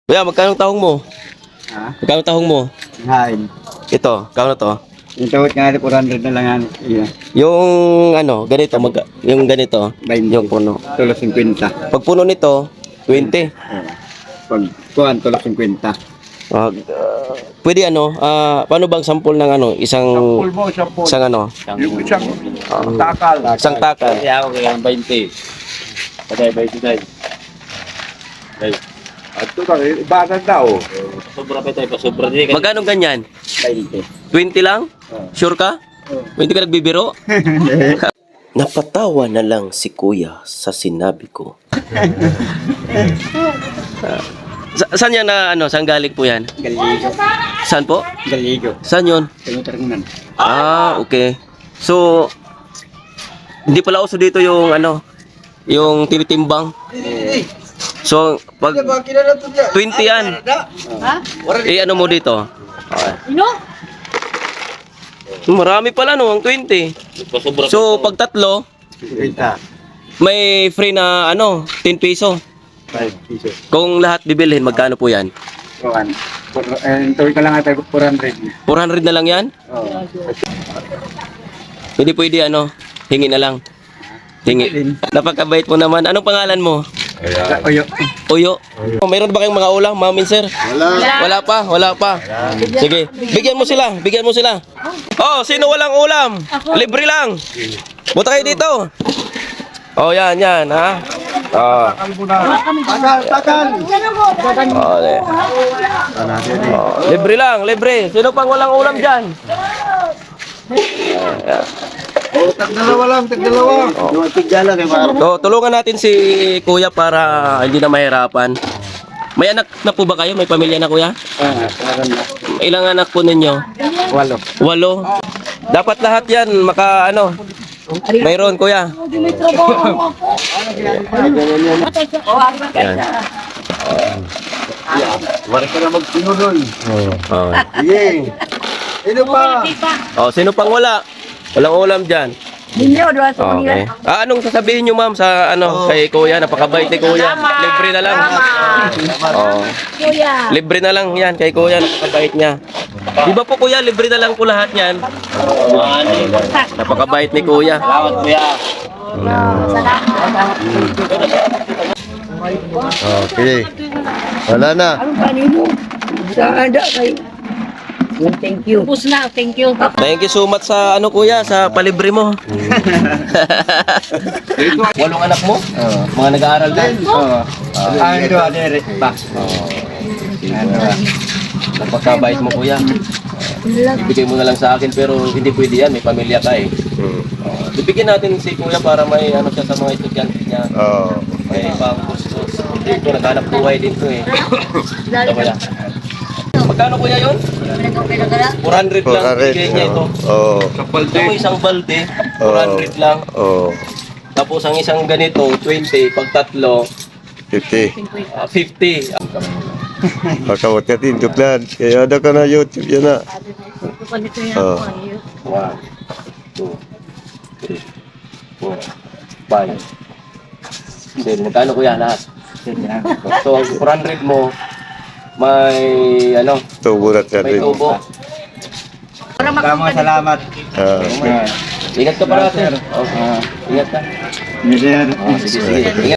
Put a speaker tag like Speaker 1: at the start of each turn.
Speaker 1: Kuya, magkano tahong mo?
Speaker 2: Ha?
Speaker 1: Magkano tahong mo?
Speaker 2: Hain.
Speaker 1: Ito, kano to?
Speaker 2: Yung tawad nga 400 na lang yan. Iya.
Speaker 1: Yung ano, ganito, yung ganito,
Speaker 2: 20.
Speaker 1: yung puno.
Speaker 2: Tulos 50.
Speaker 1: Pag puno nito, 20.
Speaker 2: Pag kuhan, tulos 50.
Speaker 1: Pwede ano, paano bang sample ng ano, isang
Speaker 3: Mo, sampol.
Speaker 1: isang ano,
Speaker 3: Yung isang takal.
Speaker 1: isang takal.
Speaker 4: Kaya ako kaya 20. Patay, 29. Ay,
Speaker 3: At ito ka, ibanan daw.
Speaker 4: sobra pa tayo, sobra din.
Speaker 1: Magkano ganyan?
Speaker 2: 20.
Speaker 1: 20 lang? Sure ka? 20 ka nagbibiro? Napatawa na lang si kuya sa sinabi ko. Saan yan na ano, saan galing po yan?
Speaker 2: Galigo.
Speaker 1: Saan po?
Speaker 2: Galigo.
Speaker 1: Saan yun?
Speaker 2: Tinutarungan.
Speaker 1: Okay. So, hindi pala uso dito yung ano, yung tinitimbang. So, pag 20 yan, ano mo dito? Marami pala no, ang 20. So, pag tatlo,
Speaker 2: 50.
Speaker 1: may free na ano, 10 piso.
Speaker 2: 5 piso.
Speaker 1: Kung lahat bibilhin, magkano po yan?
Speaker 2: Kuhan. Tawad ka lang ata 400.
Speaker 1: 400 na lang yan?
Speaker 2: Oo.
Speaker 1: Hindi pwede ano, hingi na lang. Hingi. Napakabait mo naman. Anong pangalan mo?
Speaker 2: Oyo.
Speaker 1: Uyo. Mayroon ba kayong mga ulam, ma'am sir? Wala pa. Sige, bigyan mo sila. Oh, sino walang ulam? Libre lang. Buta kayo dito. Oh, yan, ha. Oh.
Speaker 2: Takal.
Speaker 1: Oh, libre lang. Sino pang walang ulam dyan?
Speaker 2: Tagdalawa. Yung tigdala kay Maro.
Speaker 1: So, tulungan natin si kuya para hindi na mahirapan. May anak na po ba kayo? May pamilya na kuya? Ilang anak po ninyo?
Speaker 2: 8.
Speaker 1: 8. Dapat lahat yan mayroon kuya. Yan.
Speaker 2: Wala ka na magsinunod.
Speaker 1: Oh.
Speaker 2: Sige. Ino pa?
Speaker 1: Oh, sino pang wala? Walang ulam diyan. Okay. Anong sasabihin niyo ma'am sa kay kuya? Napakabait ni kuya. Libre na lang. Oh. Libre na lang yan kay kuya, napakabait niya. Di ba po kuya, libre na lang po lahat yan? Napakabait ni kuya.
Speaker 4: Salamat kuya.
Speaker 2: Okay. Wala na.
Speaker 5: Thank you. Tapos na, thank you.
Speaker 1: Thank you so much sa kuya, sa palibre mo. 8 anak mo? Mga nag-aaral din?
Speaker 2: Ano adere ba?
Speaker 1: Napakabait mo kuya. Ibigay mo na lang sa akin pero hindi pwede yan, may pamilya ka eh. Ibigyan natin si kuya para may siya sa mga estudyante niya. May pang-kustos. Dito, naghanap buhay din to eh. Ito kuya. Magkano kuya yun? 400 lang. Bigay niya ito. Ito isang balde, 400 lang. Tapos ang isang ganito, 20. Pag tatlo,
Speaker 6: 50.
Speaker 1: 50.
Speaker 6: Kakawat ka din, tuklan. Kaya ada ka na YouTube yan na.
Speaker 1: 1, 2, 3, 4, 5. Then, magkano kuya lahat? So, ang 400 mo, may
Speaker 6: Tubo na siya
Speaker 1: may
Speaker 6: rin.
Speaker 1: tubo.
Speaker 2: Salamat.
Speaker 1: Ingat ka parati. Okay. Ingat ka.
Speaker 2: Mister.
Speaker 1: Sige. Ingat.